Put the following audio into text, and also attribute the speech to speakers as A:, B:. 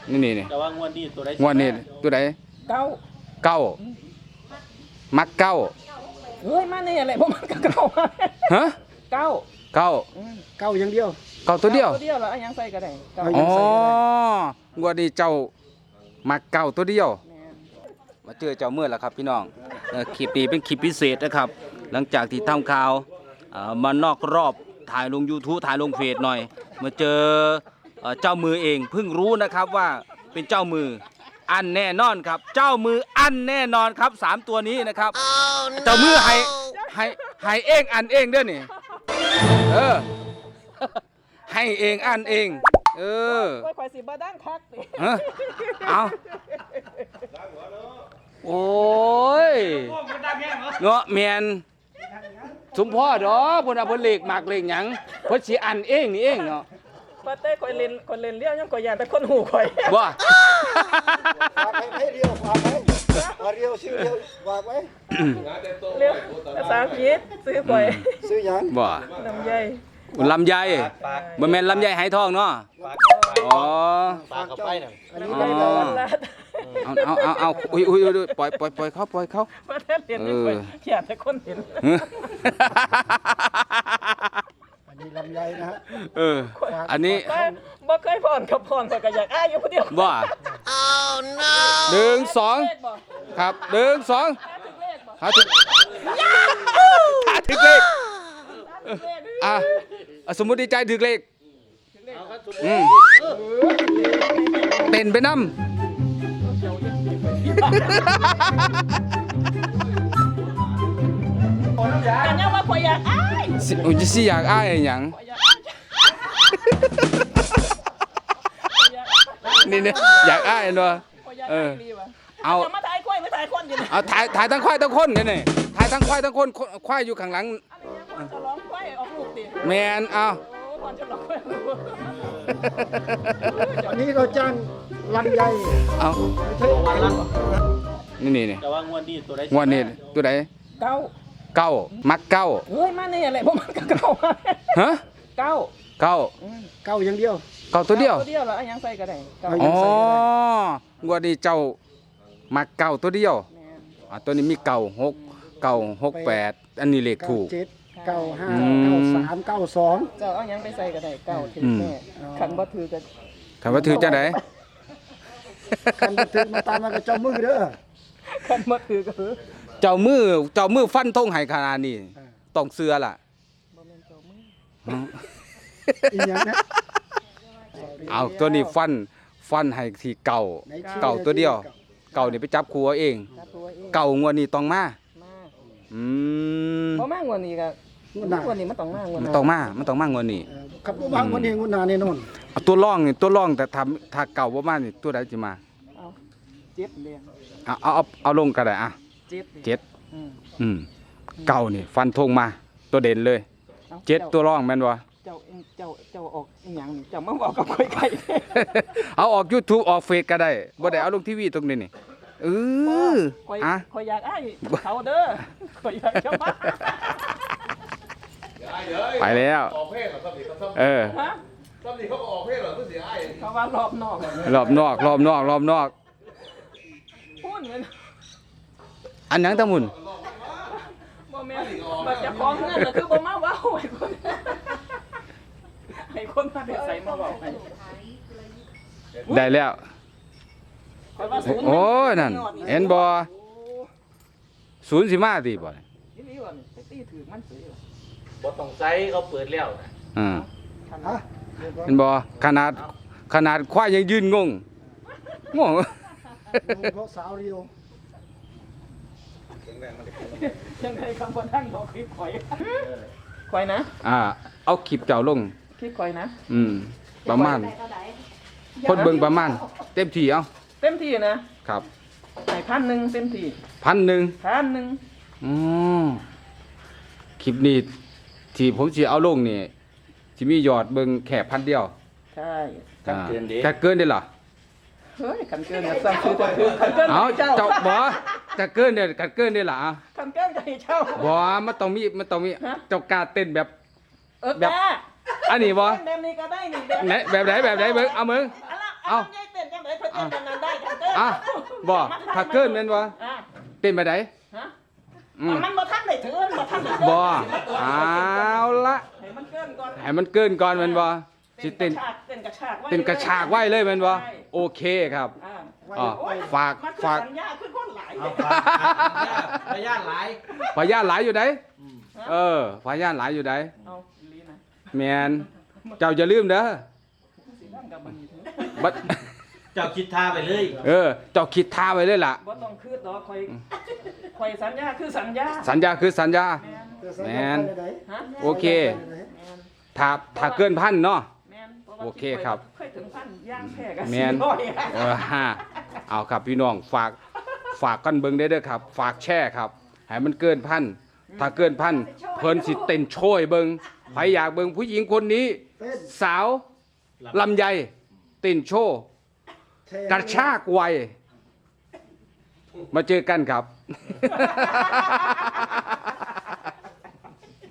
A: นี่
B: แต่ว่างวดนี้ตัวใด
A: งวดนี้ตัวใด
C: เก้า
A: เก้ามักเก้า
C: เฮ้ยมาเนี่ยอะไรผมมันก็เก้า
A: ฮะ
C: เก้า
A: เก้า
D: เก้าอย่างเดียว
A: เก้าตัวเดียว
C: ตัวเดียวแล้วยังใส่ก็ได้เก้า
A: อ๋องวดนี้เจ้ามักเก้าตัวเดียว
C: แม่น
A: มาเจอเจ้าเมื่อแล้วครับพี่น้องคลิปนี้เป็นคลิปพิเศษนะครับ หลังจากที่ทำข่าวมานอกรอบถ่ายลง YouTube ถ่ายลงเฟซหน่อยมาเจอเจ้ามือเองเพิ่งรู้นะครับว่าเป็นเจ้ามืออันแน่นอนครับ เจ้ามืออันแน่นอนครับ3ตัวนี้นะครับ เจ้ามือให้เองอันเองเด้อนี่ให้เองอันเอง
C: ข่อยสิบ่ด้านคักติ
A: เอาโอ้ยเนาะแมนสมพ่อดอกเพิ่นเอาเพิ่นเลขมากเลขหยังเพิ่นสิอันเองนี่เองเนาะ
C: ว่าแต่ข่อยเล่นเลี้ยวยังข่อยย่านแต่คนหูข่อย
A: บ่
D: ฝากให้เรียวฝากไว้เรียวชื่อเรียวฝากไว้
C: เลี้ยวภาษาอังกฤษซื้อข่อย
D: ซื้อหยัง
A: บ่
C: น้ำใหญ่
A: ลำไยบ่แม่นลำไยไหทองเนาะอ๋อ
B: ปากเข้าไปน่ะ
D: อันนี้
C: ได้
D: ได้
C: ต
D: แล้
C: ล
D: ว
C: าด
A: เอาอุ้ยปล่อยเขาปล่อยเขา
C: ว่าแต่เล่นนี่ข่อยย่านแต่คนเห็น
D: อันนี้ลำไยนะฮะ
A: อันนี้
C: บ่เคยพรกับพรข่อยก็อยากอ้ายอยู่ผู้เดียว
A: บ่หนึ่งสองครับหนึ่งสองหาถึงเลขสมมุติดีใจถึงเลขเต้นไปน้ำ
C: กันยังว่าข่อยอยากอ้าย
A: สิอยากอ้ายหยังนี่เนี่ยอยากอ้ายเนาะเอา
C: มาถ่ายควายไม่ถ่ายคนอยู่นี่
A: เอาถ่ายทั้งควายทั้งคนเนี่ยถ่ายทั้งควายทั้งคนควายอยู่ข้างหลัง
C: จะร้องควายออกลูกดิ
A: แมนเอา
C: ก่อนจะร้องควาย
D: อันนี้เราจ้างลำไย
A: เอา
D: ไม่ใช่
A: นี่
B: แต่ว่างวดนี้ตัวใด
A: งวดนี้ตัวไหน
C: เก้า
A: เก้ามักเก้า
C: เฮ้ยมาเนี่ยอะไรผมมันก็เก้า
A: ฮะ
C: เก้า
A: เก้า
D: เก้าอย่างเดียว
A: เก้าตัวเดียว
C: ตัวเดียวแล้วยังใส่ก็ได้เก้า
A: อ๋องวดนี้เจ้ามักเก้าตัวเดียวตัวนี้มีเก้าหกแปดอันนี้เลขถูก
D: 97 95 93 92
C: เจ้าเอายังไปใส่ก็ได้เก้าถึงแม่ขันบ่ถือกัน
A: คำว่าถือจะไหน
D: คันบันทึกมาตามมากับเจ้ามือเด้อ
C: ขันบ่ถือก็คือ
A: เจ้ามือฟันธงให้ขนาดนี้ต้องเสือล่ะ
C: บ่แม่นเจ้ามือ
D: อีหยังนะ
A: เอาตัวนี้ฟันให้ที่เก่าตัวเดียว เก่านี่ไปจับครูเอาเอง
C: ถ้าตัวเอง
A: เก่างวดนี้ต้องมา
C: มา
A: อืม
C: บ่มากกว่านี้ก็กว่านี้มันต้องมากกว่า
A: มัน
C: นี้
A: ต้องมางวดนี้
D: ขับรถบางวันนี้งุนนาแน่นอน
A: เอาตัวร่องแต่ถ้าเก่าบ่มานี่ตัวใดสิมา
C: เอาเจ็ดเลย
A: เอาลงก็ได้อ่ะ
C: เจ็ด
A: 7เก่านี่ฟันธงมาตัวเด่นเลย7ตัวร่องแม่นบ่
C: เจ้าออกอีหยังนี่เจ้ามาบอกกับข่อยไก่
A: เอาออก YouTube ออกเฟซก็ได้บ่ได้เอาลงทีวีตรงนี้นี่
C: ข่อยอยากอ้ายเขาเด้อข่อยอยากจะมา
A: ไปแล้ว
B: ออกเพศเหรอครับนี่ครับ
C: ฮะ
B: ซ้ำนี่เขาก็ออกเพศเหรอเพื่อเสียอ้าย
C: เขาว่ารอบนอก
A: รอบนอก
C: พูดเหมือน
A: อันหยังตะมุน
C: บ่แม่นบ่จะฟ้องเงินก็คือบ่มาเว้าให้คนมาได้ใส่มาเว้าให้
A: ได้แล้ว
C: ข่อยว่าศูนย์
A: โอ้ยนั่นเห็นบ่ศูนย์สิมาติบ่
C: นี่นี่ว่าไปตีถือมันซื้อ
B: บ่ต้องใช้เขาเปิดแล้ว
D: ฮะ
A: เห็นบ่ขนาดควายยังยืนงง
D: เพราะสาวเรียว
C: ยังไงคำบ่ทันบอกคลิปข่อยข่อยนะ
A: เอาคลิปเจ้าลง
C: คลิปข่อยนะ
A: ประมาณคนเบิ่งประมาณเต็มที่เอา
C: เต็มที่นะครับ ให้1,000เต็มที่
A: 1,000
C: 1,000
A: อ๋อคลิปนี้ที่ผมสิเอาลงนี่สิมียอดเบิ่งแค่1,000เดียว
C: ใช่
A: ถ้าเกินได้ล่ะ
C: เฮ้ยกันเกินเนี่ยสั่งซื้อแต่คือกันเกิน
A: เอา
C: เจ้า
A: เจ้าบ่จะเกินได้ได้ล่ะ
C: กันเกินจะให้เจ้า
A: บ่มันต้องมีเจ้ากล้าเต้นแบบ
C: แบบ
A: อันนี้บ่
C: แบบนี้ก็ได้นี่
A: ไหนแบบไหนเบิ่งเอามึง
C: เอาใหญ่เต้นจังได๋เต้นกันนั้นได้กันเกิน
A: อ่ะบ่ถ้าเกินแม่นบ่
C: อ่ะ
A: เต้นไปไหน
C: ฮะ
A: อืม
C: มันบ่ทันได้ถือมันบ่ทันได้เกิน
A: บ่เอาละ
C: ให้มันเกินก่อน
A: ให้มันเกินก่อนแม่นบ่สิเต้น
C: เต้นกระชากไว้
A: เต้นกระชากไว้เลยแม่นบ่
C: ใช่
A: โอเคครับ
C: อ่า
A: อ่ะ
C: โอ้ย
A: ฝาก
C: มันคือ
A: ฝาก
C: สัญญาคือคนหลาย
B: พยานหลาย
A: พยานหลายอยู่ไหนพยานหลายอยู่ไหน
C: เอาอีหลีนะ
A: แม่นเจ้าอย่าลืมเด้อ
C: สินั่งกับมันอยู่ถึง
A: บัด
B: เจ้าคิดท่าไปเลย
A: เจ้าคิดท่าไว้เลยล่ะ
C: บ่ต้องคืดดอกคอยสัญญาคือสัญญา
A: สัญญาคือสัญญา
C: แม่น
A: แมน
C: ฮะ
A: โอเค
C: แม่น
A: ถ้าเกินพันเนาะ
C: แม่นพราะว่า
A: โอเคครับ
C: เคยถึงพันย่างแพ้กัน
A: แมน เอาครับพี่น้องฝากกันเบิ่งได้เด้อครับ ฝากแช่ครับให้มันเกินพันถ้าเกินพันเพิ่นสิเต้นโชยเบิ่งใครอยากเบิ่งผู้หญิงคนนี้
D: เต้น
A: สาวลำไยเต้นโชว์
D: เท่
A: กระชากไวมาเจอกันครับ